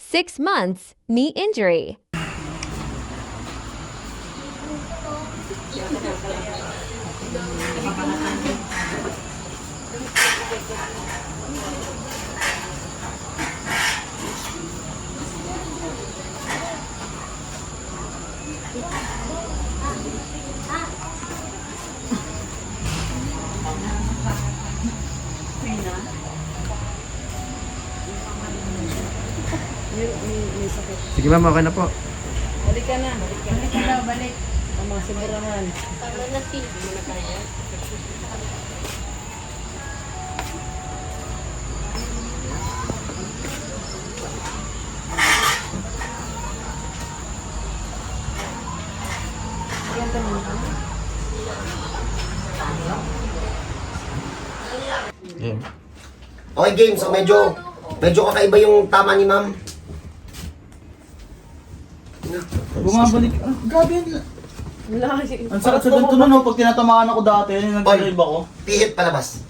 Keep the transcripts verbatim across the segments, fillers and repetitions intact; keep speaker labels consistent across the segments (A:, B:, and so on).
A: six months knee injury.
B: Sige ma'am, okay na po.
C: Balik ka na. Balik ka na. Balik ka na. Balik. Tama, siguro naman.
D: Tama na, T. Hindi mo na kaya.
B: Game.
E: Okay, game. So, medyo, medyo kakaiba yung tama ni ma'am.
F: Bumabalik. Ah, grabe yan.
C: Wala kasi.
F: Ang sakit sa ganito nun, no? Pag tinatamaan ako dati, nag-drive ako.
E: Pihit palabas.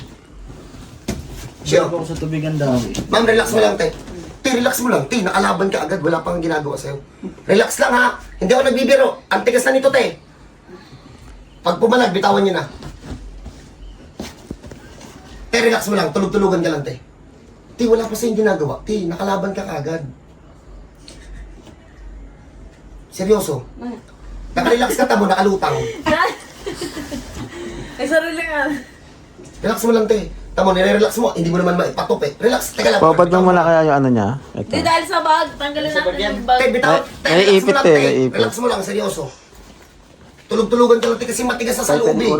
F: Sure.
E: Sure.
F: Ako sa tubigan dati.
E: Ma'am, relax mo lang, te. Te, relax mo lang. Te, nakalaban ka agad. Wala pang ginagawa sa'yo. Relax lang, ha? Hindi ako nagbibiro. Ang tigas na nito, te. Pag pumalag, bitawan niyo na. Te, relax mo lang. Tulog-tulugan ka lang, te. Te, wala pa sa'yo ginagawa. Te, nakalaban ka kagad. Seryoso. Nakarelax ka, tamo, nakalutang.
C: Ay, sarili nga.
E: Relax mo lang, te. Tamo, nire-relax mo. Hindi mo naman maipatup, eh. Relax. Teka lang.
B: Papad lang muna kaya yung ano niya. Ito.
C: Hindi, dahil sa bag. Tanggalin natin yung bag.
E: Te, bitaw. Te,
B: May
E: relax mo
B: ipit,
E: lang,
B: te,
E: te.
B: may ipit.
E: Relax mo lang, seryoso. Tulog-tulugan ka lang, te, kasi matigas na sa loob, eh.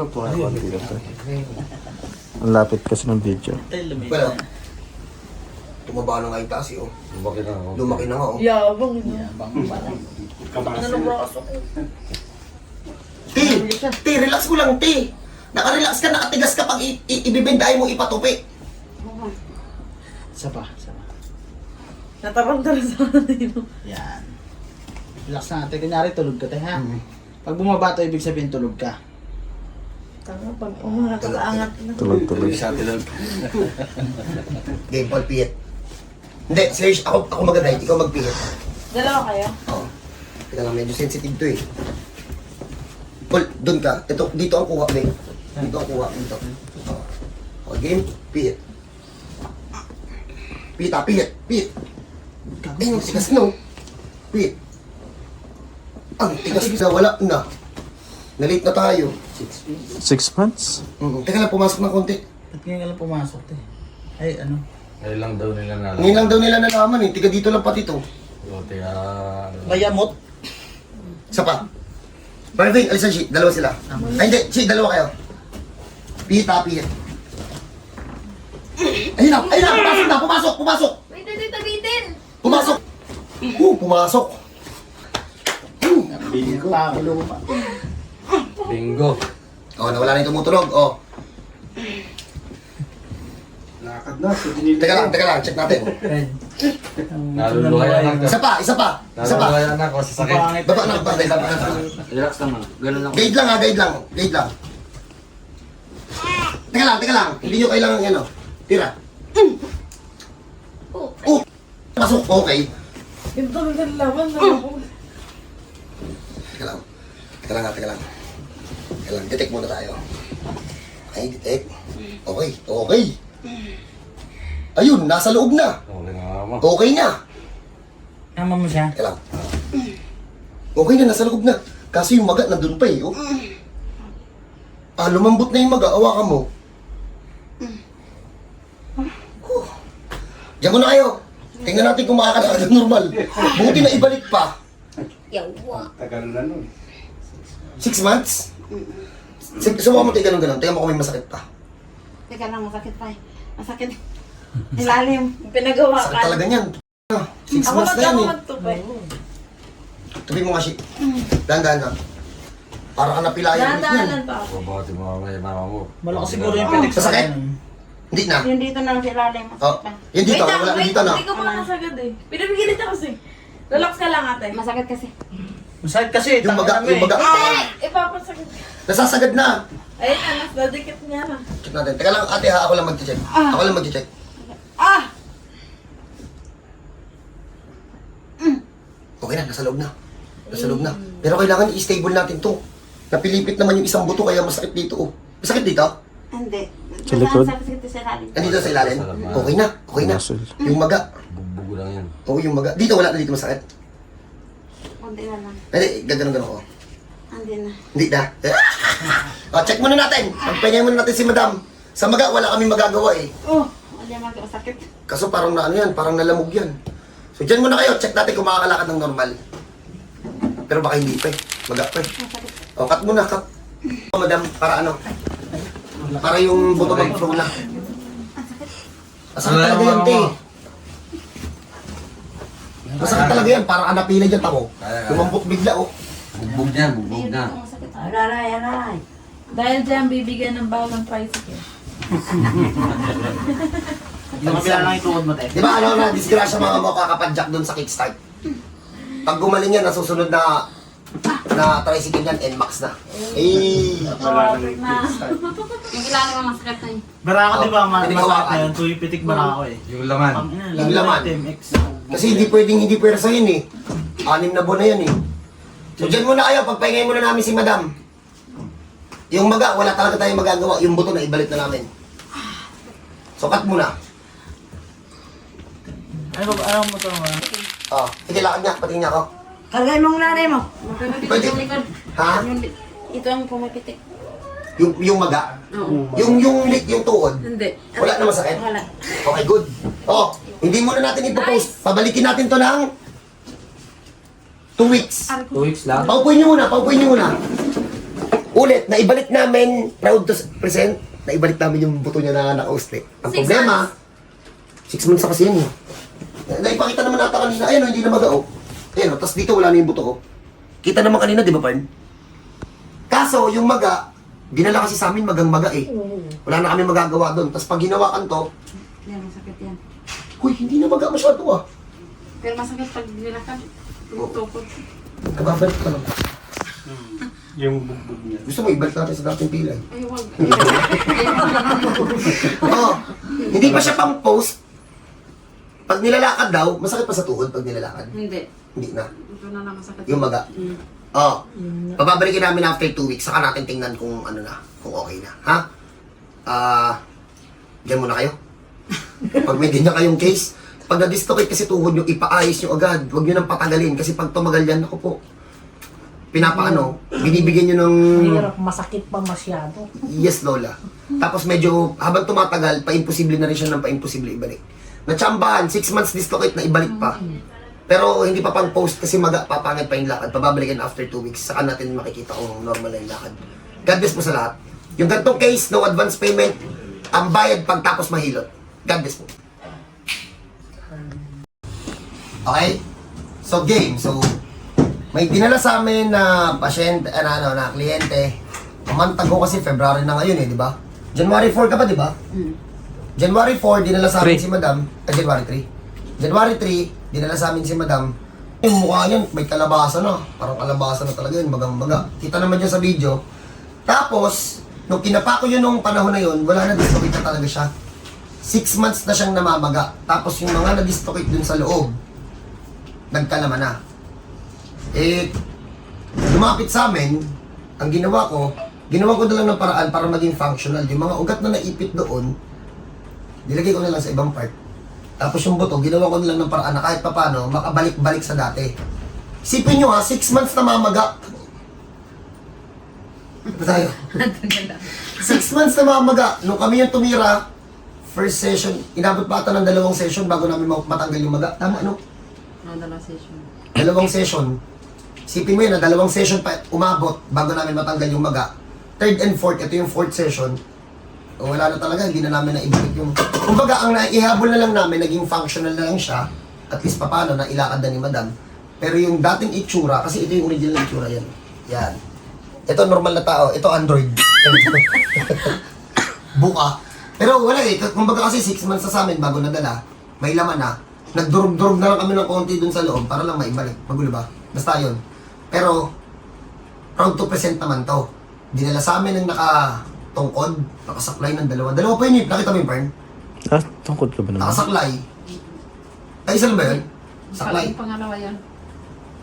B: Ang lapit kasi ng video.
E: Well, tumaba na nga yung taas, eh, oh. Lumaki na nga. Lumaki na nga, oh.
C: Yabang. Yabang. Ano na braso ko?
E: Te, te, relax mo lang, te. Nakarelax ka, nakatigas ka pag i- i- ibibendahin mo ipatupi.
F: Isa pa, isa pa.
C: Natarantara sa atin.
F: Yan. Relax na natin. Kunyari, tulog ka tayo, ha? Pag bumaba to, ibig sabihin tulog ka.
C: Tama, pag umangat ka, angat na.
B: Tulog-tulog.
E: Game, Paul, pihit. Hindi, Serge, ako, ako mag-guide, ikaw magpihit.
C: Dalawa kayo?
E: Oo. Teka lang, medyo sensitive to, eh. Paul, dun ka. Ito, dito ang kuha, Beng. Dito ang kuha, dito. Oo. Okay, game, pihit. Pihit, ah, pihit, pihit. Eh, ang tigas, no? Pihit. Ang tigas na, wala na. Nalate na tayo.
B: Six months?
E: Mm, teka lang, pumasok ng konti.
F: Ba't ngayon ka lang pumasok, te? Ay, ano?
G: Ngayon lang daw nila nalaman.
E: Ngayon lang daw nila nalaman eh. Tiga dito lang pati to.
G: O, tiga...
F: Mayamot?
E: Isa pa. Marvin, alisan si. Dalawa sila. Ay, hindi. Si, dalawa kayo. Pihit ha, pihit. Ayun na, ayun na. Pumasok na, pumasok, pumasok.
D: Wait, wait, tabitin!
E: Pumasok. Uh, pumasok. Uh.
F: Bingo. Pakulo pa.
G: Bingo.
E: Oh, nawala na yung tumutunog. Oh. Teka lang, teka lang. Check natin.
G: Naluluhayan na
E: Isa pa, isa pa. Isa pa.
G: Naluluhayan na ako sa sakit.
E: Baba na, baba na, baba na.
G: Relax naman. Ganun lang.
E: Guide lang ha, guide lang. Guide lang. Teka lang, teka lang. Hindi nyo kailangan yan, oh. Tira. Oh. Pasok, okay.
C: Yung talagang laban na ako.
E: Teka lang. Teka lang, ha, teka lang. Teka lang, detect muna tayo. Okay, detect. Okay, okay. Ayun, nasa loob na.
G: Okay na naman.
E: Okay na.
F: Tama mo siya?
E: Teka lang. Okay na, nasa loob na. Kasi yung maga nandun pa eh. Oh. Ah, lumambot na yung maga. Awakan mo. Oh. Diyan mo na kayo. Tingnan natin kung makakalakad ng normal. Buti na ibalik pa.
D: Yawa.
G: Tagal na nun.
E: Six months? Sig- Subukan mo tayo ganun-ganun. Tingnan mo kung may masakit pa.
D: Teka lang, masakit pa eh. Masakit. Ilalim.
C: Pinagawa
E: Sakit
C: ka.
E: talaga niyan. Ah, Six
C: Ako
E: months
C: mag
E: na yan
C: ako
E: eh.
C: magtupay.
E: Tubi mo nga si. Dahan-dahan na. Para ka napilayan ulit
C: Dahan-dahanan
E: yan.
C: pa ako.
G: Babati mo mga mama mo.
F: Malakas siguro yung pitik sa
E: Masakit?
F: kanan.
E: Hindi na.
D: Yung dito na sa ilalim.
E: Oh,
D: Masakit pa.
E: yan dito.
C: Wait lang,
E: Wala
C: wait.
E: dito na.
C: Hindi ko pa nasagad eh. Pinapigilit ako kasi. Relax ka lang ate.
D: Masakit kasi.
F: Masakit kasi.
E: Yung
F: tanga
E: baga,
F: na
E: yung
F: eh.
E: baga.
C: Hindi! Ipapasagad.
E: Nasasagad na.
C: Ayun na, nas nadikit niya na.
E: Check natin. Teka lang ate ha, ako lang mag-check. Ako lang mag-check.
D: Ah!
E: Okay na, nasa loob na. Nasa loob na. Pero kailangan i-stable natin to. Napilipit naman yung isang buto kaya masakit dito. Oh. Masakit dito?
D: Hindi.
B: Sa likod?
D: Sakit sa lalim.
E: Andito sa ilalim? Okay na, okay na.
B: Muscle.
E: Yung maga.
G: Bugbog lang yan.
E: Oo, yung maga. Dito wala na dito masakit.
D: Kunti na lang.
E: Hindi, gagano-gano ko.
D: Hindi na.
E: Hindi na. Oh, check muna natin. Pagpahingay muna natin si madam. Sa maga, wala kami magagawa eh.
D: Oh, wala mag masakit.
E: Kaso parang na ano yan, parang nalamog yan. So dyan muna kayo, check natin kung makakalakad ng normal. Pero baka hindi pa eh. Maga pa eh. O, cut muna, cut. O, madam, para ano? Para yung buto mag-flow na. Masakit talaga yan, te. Masakit talaga yan, parang anapila dyan, tamo. Lumambot bigla, oh.
G: Bugbog na, bugbog na.
C: Aray, aray. Dahil dyan, bibigyan ng bagong tricycle.
F: Yung kabila lang itukod mo, te.
E: Di ba ano na, disgrasya mga mo kakapadjak doon sa kickstart. Pag gumaling yan, nasusunod na na tricycle yan, N MAX na. Eh,
D: Yung kilala mo masakit na yun.
F: Barako, di ba? ma-
E: Hindi
F: Masakit
E: hawakan.
F: na yun. Tuwi pitik barako eh.
G: Yung laman.
F: Ang ina,
E: Yung laman.
F: T M X.
E: kasi hindi pwedeng hindi pwersa yun eh. Anim na buwan na yan eh. So dyan muna kayo, pagpahingay muna namin si madam. Yung maga, wala talaga tayong magagawa. Yung buto na ibalik na namin. So cut muna.
F: Ano ba? Ano mo ito?
E: Oh, sige, lakad niya, patingin niya ako.
D: Kargay mong nanay mo.
E: Pwede. Ha?
D: Ito ang pumapitik.
E: Yung, yung maga?
D: Oo.
E: Yung, yung lik, yung tuod?
D: Hindi.
E: Wala na masakit?
D: Wala.
E: Okay, good. Oh, hindi muna natin ipopost. Pabalikin natin to ng two weeks.
G: Two weeks lang.
E: Paupuin niyo muna, paupuin niyo muna. Ulit, naibalik namin, proud to present, naibalik namin yung buto niya na nakausli. Ang problema, six months na kasi yan eh. Naipakita naman nata kanina, ayun, hindi na magao. Ayun, tapos dito wala na yung buto ko. Kita naman kanina, di ba, Parn? Kaso, yung maga, dinala kasi sa amin magang maga eh. Wala na kami magagawa doon. Tapos pag ginawakan to,
D: Yan, masakit yan.
E: huy, hindi na maga masyado ah.
D: Pero masakit pag nilakad. Tumutukod.
E: Nababalik ka lang.
F: Yung bugbog niya.
E: Gusto mo, ibalik natin sa dating pilay.
D: Ay, wag.
E: Oo. Hindi pa siya pang post. Pag nilalakad daw, masakit pa sa tuhod pag nilalakad.
D: Hindi.
E: Hindi na.
D: Ito na lang masakit.
E: Yung maga. Oo. Pababalikin namin after two weeks, saka natin tingnan kung ano na, kung okay na. Ha? Ah, diyan muna kayo. Pag may ganyan kayong case, pag na-dislocate kasi tuhod nyo, ipaayos nyo agad. Huwag nyo nang patagalin kasi pag tumagal yan, ako po, pinapaano, binibigyan nyo ng...
C: Hirap, masakit pa masyado.
E: Yes, Lola. Tapos medyo, habang tumatagal, pa-imposible na rin siya ng pa-imposible ibalik. Natsambahan, six months dislocate na ibalik pa. Pero hindi pa pang post kasi maga, papangit pa yung lakad. Pababalikan after two weeks, saka natin makikita kung normal na yung lakad. God bless po sa lahat. Yung ganitong case, no advance payment, ang bayad pagtapos mahilot. God bless po. Okay? So, game. So, may dinala sa amin na pasyente, ano, ano, na kliyente. Umantag ko kasi February na ngayon eh, di ba? January four ka pa, di ba? January four, dinala sa amin si Madam. Ah, January three. January three, dinala sa amin si Madam. Yung mukha yan, may kalabasa na. Parang kalabasa na talaga yun, magang-maga. Kita naman dyan sa video. Tapos, nung kinapa ko yun nung panahon na yun, wala na, dislocate na talaga siya. Six months na siyang namamaga. Tapos yung mga na-dislocate dun sa loob, nagkalaman na. Eh, lumapit sa amin, ang ginawa ko, ginawa ko na lang ng paraan para maging functional. Yung mga ugat na naipit doon, nilagay ko na lang sa ibang part. Tapos yung buto, ginawa ko na lang ng paraan na kahit papano, makabalik-balik sa dati. Isipin nyo ha, six months na mamaga. Ano tayo? Six months na mamaga. Nung kami yung tumira, first session, inabot pa ata ng dalawang session bago namin matanggal yung maga. Tama, no?
D: Ang dalawang session.
E: Dalawang session. Isipin mo yun na dalawang session pa umabot bago namin matanggal yung maga. Third and fourth, ito yung fourth session. O, wala na talaga, hindi na namin naibalik yung... Kumbaga, ang naihabol na lang namin, naging functional na lang siya. At least papano, na ilakad na ni Madam. Pero yung dating itsura, kasi ito yung original itsura yan. Yan. Ito normal na tao, ito Android. Buka. Pero wala eh, kumbaga kasi six months na sa amin bago nadala, may laman na. Nagdurog-durog na lang kami ng konti dun sa loob para lang maibalik. Magulo ba? Basta yun. Pero, proud to present naman to. Dinala sa amin ng nakatungkod, nakasaklay ng dalawa. Dalawa pa yun eh. Nakita mo yung Pern?
B: Ah, tungkod ka ba naman?
E: Nakasaklay. Ay, isa lang ba yun? Saklay.
D: Yung pangalawa yan.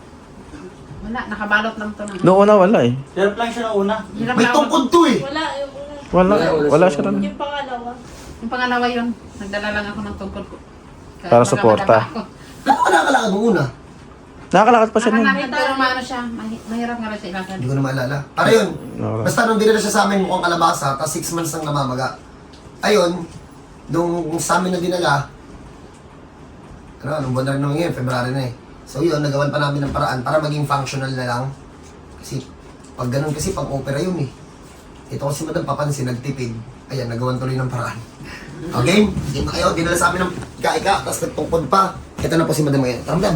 D: Wala, nakabalot lang to ng...
B: Noong una wala eh.
F: Hirap lang siya nung una.
D: Hirap
E: May
D: lang ako.
E: tungkod to eh.
C: Wala, yung una.
B: Wala. Wala siya rin.
C: Yung pangalawa.
D: Yung pangalawa yun, nagdala lang ako ng tungkod ko. Kaya
B: Para
D: baka
B: suporta.
D: madapa ako.
E: Ano ka nakakalakad mo una?
B: Nakakalakad pa siya nun.
D: Nakakalakad pero maano siya, mahi- mahirap nga lang siya ilakad.
E: Hindi ko na maalala. Para yun.
B: Okay.
E: Basta nung dinala siya sa amin mukhang kalabasa, tapos six months nang namamaga. Ayun, nung sa amin na dinala, ano, nung buwan na rin naman ngayon, February na eh. So yun, nagawan pa namin ng paraan para maging functional na lang. Kasi, pag ganun kasi, pang opera yun eh. Ito kasi madam papansin, nagtipid. Ayan, nagawan tuloy ng paraan. Okay? Game na kayo, dinala sa amin ng ika-ika, tapos nagtungkod pa. Ito na po si madam ngayon. Tara madam.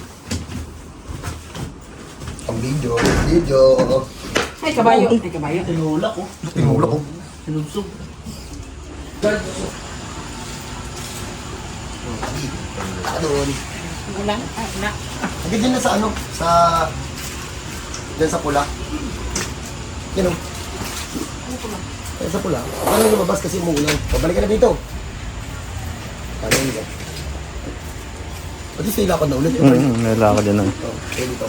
E: Ang video, video.
D: Ay, kabayo. Ay, kabayo.
F: Tinulak ko.
E: Tinulak ko.
F: Sinubsog.
E: Ah, doon.
D: Wala. Ay, wala.
E: Hanggang dyan na sa ano, sa... Dyan sa pula. Yan o. Dyan sa pula. Ano yung lumabas kasi umuulan. Pabalik ka na dito. Ano yun dyan? Pati sila ko na ulit.
B: Mm, nalakad yan lang.
E: Ito, okay dito.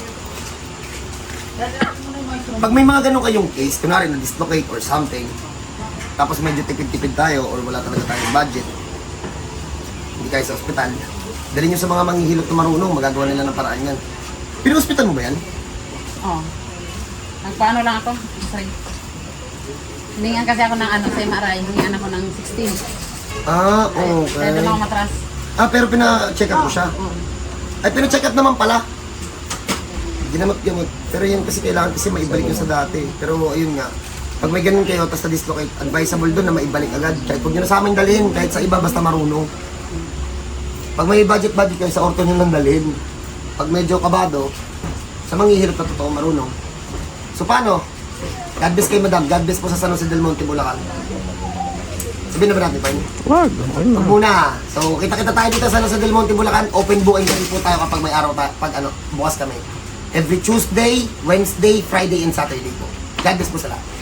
E: Pag may mga ganun kayong case, kunwari na-dislocate or something, tapos medyo tipid-tipid tayo or wala talaga tayong budget, hindi kayo sa ospital, dali nyo sa mga manghihilot na marunong, magagawa nila ng paraan yan. Pino-hospital mo ba yan?
D: Oo. Nagpaano lang ako. Sorry. Hiningan kasi ako ng ano sa M R I. Hiningan ako ng sixteen.
E: Ah,
D: Kaya
E: okay.
D: doon ako matras.
E: Ah, pero pina-check up mo siya?
D: Oo.
E: Ay, pina-check up naman pala. Ginamot-gamot. Pero yan kasi kailangan kasi maibalik yun sa dati. Pero ayun nga, pag may ganun kayo, tapos na-dislocate, advisable doon na maibalik agad. Kahit huwag nyo na sa amin dalhin, kahit sa iba, basta marunong. Pag may budget-budget kayo, sa orto nyo lang dalhin. Pag medyo kabado, sa manghihirap na totoo marunong. So paano? God bless kayo, madam. God bless po sa San Jose del Monte, Bulacan. Sabihin na ba natin, Pine?
B: Wag. Okay na.
E: Huwag muna. So, kita-kita tayo dito sa San Jose del Monte, Bulacan. Open book and po tayo kapag may araw tayo, pag ano, bukas kami. Every Tuesday, Wednesday, Friday, and Saturday po. God bless po sa lahat.